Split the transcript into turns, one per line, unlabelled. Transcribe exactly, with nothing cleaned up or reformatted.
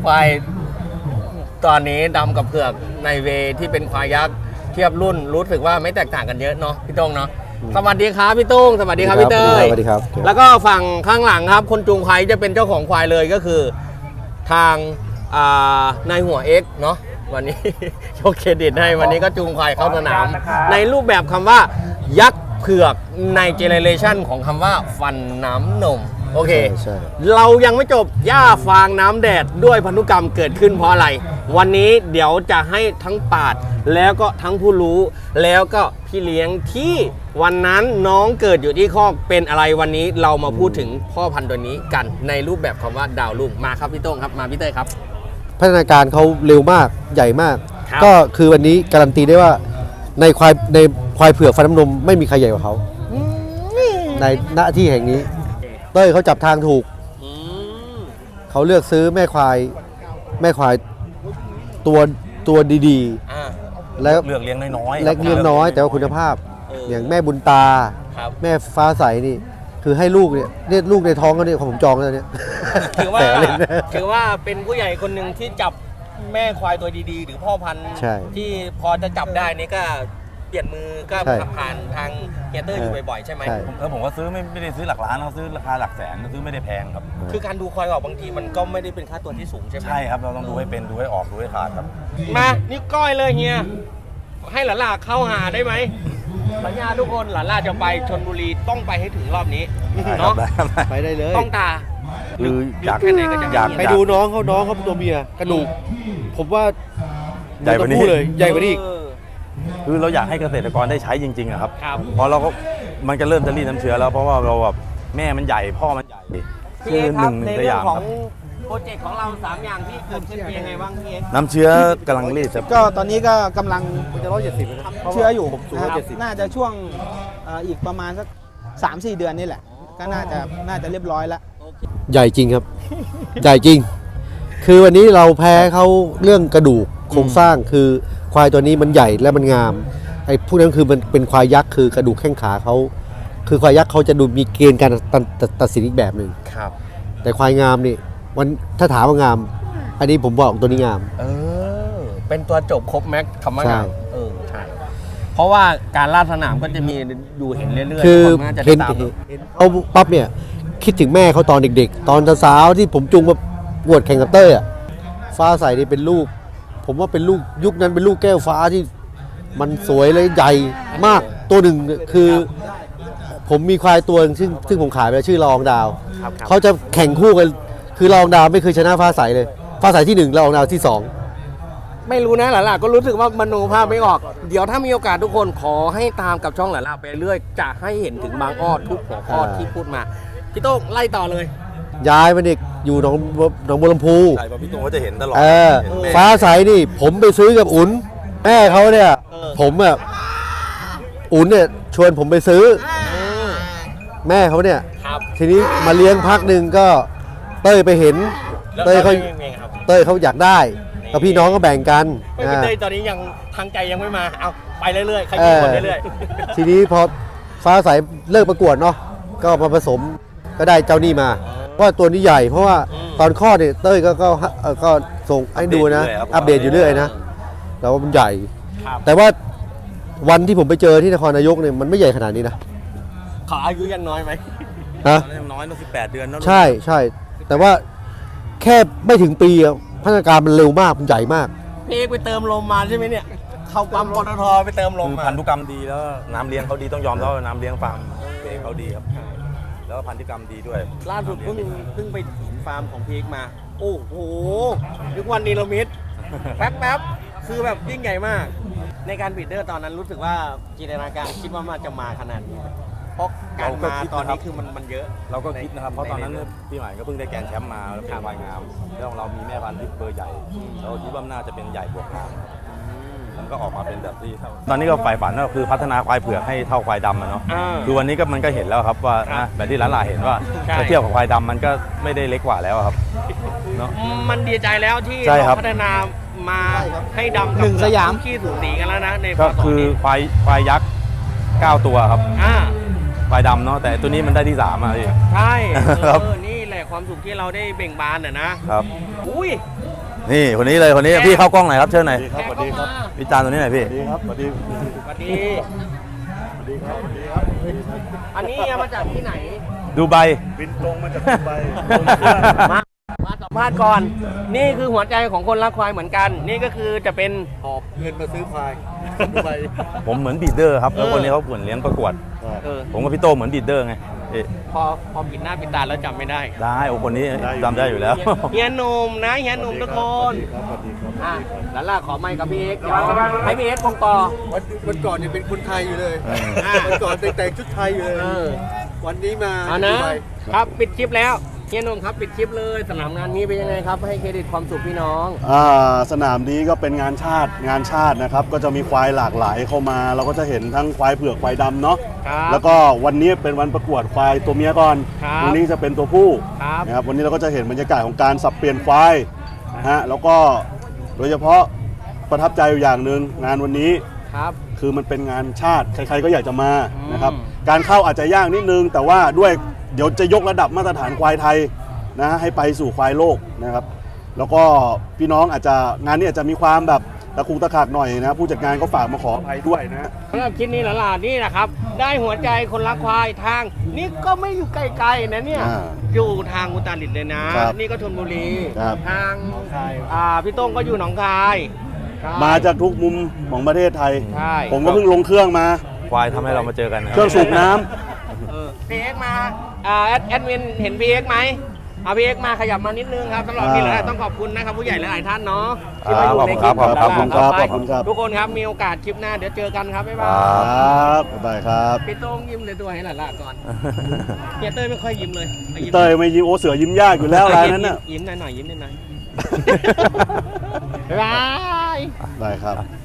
ควายตอนนี้ดำกับเผือกในเวที่เป็นควายยักษ์เทียบรุ่นรู้สึกว่าไม่แตกต่างกันเยอะเนาะพี่โต้งเนาะสวัสดีครับพี่โต้งสวัสดีครับพี่เต้ย
สวัสดีครับ
แล้วก็ฝั่งข้างหลังครับคนจูงควายจะเป็นเจ้าของควายเลยก็คือทางนายหัวเอ็กเนาะวันนี้โชว์เครดิตให้วันนี้ก็จูงควายเข้าสนามในรูปแบบคำว่ายักษ์เผือกในเจเนเรชันของคำว่าฟันน้ำนมโอเคเรายังไม่จบย่าฟางน้ำแดดด้วยพันธุกรรมเกิดขึ้นเพราะอะไรวันนี้เดี๋ยวจะให้ทั้งปาดแล้วก็ทั้งผู้รู้แล้วก็พี่เลี้ยงที่วันนั้นน้องเกิดอยู่ที่คอกเป็นอะไรวันนี้เรามาพูดถึงพ่อพันธุ์ตัวนี้กันในรูปแบบคำว่าดาวรุ่งมาครับพี่โต้งครับมาพี่เต้ยครับ
พัฒนาการเขาเร็วมากใหญ่มากก็คือวันนี้การันตีได้ว่าในควายในควายเผือกฟันน้ำนมไม่มีใครใหญ่กว่าเขาในหน้าที่แห่งนี้เต้ยเขาจับทางถูกเขาเลือกซื้อแม่ควายแม่ควายตัวตัวดีๆแล้ว
เลือกเลี้ยงน้อย
ๆและเลี้ยงน้อยแต่ว่าคุณภาพอย่างแม่บุญตาแม่ฟ้าใสนี่คือให้ลูกเนี่ยเนี่ยลูกในท้องเขาเนี่ยของผมจองแล้วเนี่ย
ถือว่าถือว่าเป็นผู้ใหญ่คนหนึ่งที่จับแม่ควายตัวดีๆหรือพ่อพันธุ์ที่พอจะจับได้นี่ก็เปลี่ยนมือก็ผ่านทางเฮียเตอร์อยู่บ่อยๆใช่ไหม
แล้วผมก็ซื้อไม่ไม่ได้ซื้อหลักล้านเราซื้อราคาหลักแสนซื้อไม่ได้แพงครับ
คือการดูควายออกบางทีมันก็ไม่ได้เป็นค่าตัวที่สูงใช่ไหม
ใช่ครับเราต้องดูให้เป็นดูให้ออกดูให้ขาดครับ
มานี่ก้อยเลยเฮียให้หลานล่าเข้าหาได้ไหมสัญญาทุกคนหลานล่าจะไปชลบุรีต้องไปให้ถึงรอบนี้เนาะ
ไปได้เลย
ต้องตา
คืออยาก
อยากไปดูน้องเขาน้องเขาตัวเมียกระดูกผมว่า
ใหญ่กว่านี้
เลยใหญ่กว่านี้
คือเราอยากให้เกษตรกรได้ใช้จริงๆอะครับเพราะเราก็มันจะเริ่มจะรีดน้ำเชื้อแล้วเพราะว่าเราแบบแม่มันใหญ่พ่อมันใหญ่
คือหนึ่งในเรื่องของโปรเจกต์ของเราสามอย่างที่เกิดขึ้นเป็นยังไงบ้างพี่เอ็ก
น้ำเชื้อกำลังรีดครับ
ก็ตอนนี้ก็กำลังจะร้อยเจ็ดสิบเชื้ออยู่น่าจะช่วงอีกประมาณสักสามสี่เดือนนี่แหละก็น่าจะน่าจะเรียบร้อยแล้ว
ใหญ่จริงครับใหญ่จริงคือวันนี้เราแพ้เขาเรื่องกระดูกโครงสร้างคือควายตัวนี้มันใหญ่และมันงามไอ้พวกนั้นคือมันเป็นควายยักษ์คือกระดูกแข้งขาเขาคือควายยักษ์เขาจะดูมีเกณฑ์การตัดสินอีกแบบหนึ่ง
ครับ
แต่ควายงามนี่วันถ้าถามว่างามอันนี้ผมบอกตัวนี้งาม
เออเป็นตัวจบครบแม็กคำว่างามเออใช่เพราะว่าการลาดสนามก็จะมีอยู่เห็นเรื่อยๆ
คือเห็นเขาปั๊บเนี่ยคิดถึงแม่เขาตอนเด็กๆตอนสาวๆที่ผมจูงมาบวชแข่งกับเต้ยอ่ะฟ้าใสนี่เป็นลูกผมว่าเป็นลูกยุคนั้นเป็นลูกแก้วฟ้าที่มันสวยเลยใหญ่มากตัวหนึ่งคือผมมีควายตัวซึ่งซึ่งผมขายไปชื่อรองดาวเขาจะแข่งคู่กันคือรองดาวไม่เคยชนะฟ้าใสเลยฟ้าใสที่หนึ่งรองดาวที่สอง
ไม่รู้นะหล่ะก็รู้สึกว่ามโนภาพไม่ออกเดี๋ยวถ้ามีโอกาสทุกคนขอให้ตามกับช่องหล่ะไปเรื่อยจะให้เห็นถึงบางอ้อทุกหัวข้อที่พูดมาพี่โต้งไล่ต่อเลย
ย้ายมาเด็กอยู่หนองหนองบัวลำพู
ใช่ป่ะพี่โต้งก็จะเห็นตลอด
ฟ้าใสนี่ผมไปซื้อกับอุ่นแม่เขาเนี่ยผมอ่ะอุ่นเนี่ยชวนผมไปซื้อแม่เขาเนี่ยทีนี้มาเลี้ยงพักหนึ่งก็เต้ยไปเห็นเต้ยเขาเต้ยเขาอยากได้แล้วพี่น้องก็แบ่งกัน
พี่เต้ยตอนนี้ยังทางใจยังไม่มาเอาไปเรื่อยๆใครกินคนเรื่อย
ๆทีนี้พอฟ้าใสเลิกประกวดเนาะก็มาผสมก็ได้เจ้านี่มาว่าตัวนี้ใหญ่เพราะว่าตอนข้อเนี่ยเต้ยก็ก็ก็ส่งให้ดูนะอัปเดตอยู่เรื่อยนะแล้วมันใหญ่แต่ว่าวันที่ผมไปเจอที่นครนายกเนี่ยมันไม่ใหญ่ขนาดนี้นะ
ขออายุยังน้อยไหม
ฮะ
ยังน้อยตั้งสิบแปดเดือนนะ
ใช่ใช่แต่ว่าแค่ไม่ถึงปีพัฒนาการมันเร็วมากมันใหญ่มาก
พี่เอกไปเติมลมมาใช่ไหมเนี่ยเข้าปั๊มปตทไปเติมลม
พันธุกรรมดีแล้วน้ำเลี้ยงเขาดีต้องยอมแล้วน้ำเลี้ยงฟาร์มเองเขาดีครับแล้วพันธุกรรมดีด้วย
ล่าสุดเพิ่งเพิ่งไปเห็นฟาร์มของพีเอกมาโอ้โหทุกวันนี้เรามิดแป๊บแป๊บคือแบบยิ่งใหญ่มากในการบีดเดอร์ตอนนั้นรู้สึกว่าจินตนาการคิดว่ามันจะมาขนาดนี้เพราะการมาตอนนี้คือมันมันเยอะ
เราก็คิดนะครับเพราะตอนนั้นพี่หมายก็เพิ่งได้แกนแชมป์มาแล้วเป็นวายงามแล้วเรามีแม่พันธุ์ที่เบอร์ใหญ่เราคิดว่าน่าจะเป็นใหญ่บวกงามมันก็ออกมาเป็นแบบที่ตอนนี้ก็ฝ่ายฝันก็คือพัฒนาควายเผือกให้เท่าควายดำนะเนาะคือวันนี้ก็มันก็เห็นแล้วครับว่าแบบที่หลานๆเห็นว่าถ้าเทียบกับควายดำมันก็ไม่ได้เล็กกว่าแล้วครับ
เนาะมันดีใจแล้วที่พัฒนามาให้ดำ
หนึ่งสยาม
ขี้สูสีกันแล้วนะใน
ก็คือควายควายยักษ์เก้าตัวครับควายดำเนาะแต่ตัวนี้มันได้ที่สามอ่ะพี่
ใช่ครับนี่แหละความสุขที่เราได้เบ่งบานอ่ะนะครับ
อุ้ยนี่คนนี้เลยคนนี้พี่เข้ากล้องหน่อยครับเชิญหน่อย
สวัสดีครับ
พี่จานตัวนี้หน่อยพี่
สวัสดีสวัสดีอันนี้เอามาจากที่ไหน
ดูใบ
บินตรงมาจากดูไบ
มามาสัมภาษณ์ก่อน นี่คือหัวใจของคนรักควายเหมือนกัน นี่ก็คือจะเป็น
หอบเงินมาซื้อควายดูไป
ผมเหมือนบีดเดอร์ครับแล้วคนนี้เขาเหมือนเลี้ยงประกวด
เออ
ผมกับพี่โตเหมือนบีดเดอร์ไงเอ๊ะ
พอพอปิดหน้าปิดตาแล้วจำไม่ได้
ได้โอ้คนนี้จำได้อยู่แล้ว
เฮียหนุ่มนะเฮียหนุ่มทุกคน
ครับสวัสดีครับ
อ่ะแล้วล่ะขอไมค์กับพี่เอ็กซ์เดี๋ยวให้พี่เอ็กซ์คงต่อ
วันวันก่อนเนี่ยเป็นคนไทยอยู่เลย
อ่า
วันก่อนแต่งชุดไทยอยู่เลย
เออ
วันนี้มา
เอานะ
ดูไบ
ครับปิดคลิปแล้วเฮียหนุ่มครับปิดคลิปเลยสนามงานนี้เป็นยังไงครับให้เครดิตความสุขพี่น้อง
อ่าสนามนี้ก็เป็นงานชาติงานชาตินะครับ ก็จะมีควายหลากหลายเข้ามา เราก็จะเห็นทั้งควายเผือกควายดำเนาะ
ครับ
แล้วก็วันนี้เป็นวันประกวดควายตัวเมียก่อน
ครับ
วันนี้จะเป็นตัวผู้
ครับ
นะครับวันนี้เราก็จะเห็นบรรยากาศของการสับเปลี่ยนควายนะฮะแล้วก็โดยเฉพาะประทับใจอยู่อย่างหนึ่งงานวันนี้
ครับ
คือมันเป็นงานชาติใครๆก็อยากจะมานะครับ
อืม
การเข้าอาจจะยากนิดนึง แต่ว่าด้วยเดี๋ยวจะยกระดับมาตรฐานควายไทยนะให้ไปสู่ควายโลกนะครับ แล้วก็พี่น้องอาจจะงานนี้อาจจะมีความแบบตะคุกตะขากหน่อยนะผู้จัดงานก็ฝากมาขออภัยด้วยนะ
สำหรับคลิปนี้หลานๆนี่นะครับ ได้หัวใจคนรักควายทาง นี่ก็ไม่อยู่ไกลๆนะเนี่ย
อ่า
อยู่ทางอุตรดิตถ์เลยนะ
ครับ
นี่ก็ชลบุรี
ครับ
ทางอ่าพี่โต้งก็อยู่หนองคายใช่
มาจากทุกมุมของประเทศไทย
ใช่
ผมก็เพิ่งลงเครื่องมา
ควายทำให้เรามาเจอกันนะ
เครื่องสูบน้ำ
เออพีเอ็กมาอ่าแอดแอดมินเห็นพีเอ็กไหมเอาพีเอ็กมาขยับมานิดนึงครับสำหรับที่เหลือต้องขอบคุณนะครับผู้ใหญ่หลายๆท่านเนาะที่มาอยู่ในคลิป
ขอบคุณครับ
ต่ไป
ขอบคุณครับ
ทุกคนครับมีโอกาสคลิปหน้าเดี๋ยวเจอกันครับบ๊ายบา
ค
ย
ครับบ๊ายบายครับ
พี่โต้งยิ้มเลยตัวให้หลานๆก่อนเฮียเต้ยไม่ค่อยยิ้มเลยอายิ้ม
เตยไม่ยิ้มโอเสือยิ้มยากอยู่แล้วรายนั้นน่ะ
ยิ้มหน่อยๆยิ้มหน่อยๆบ๊ายบาย
ได้ครับ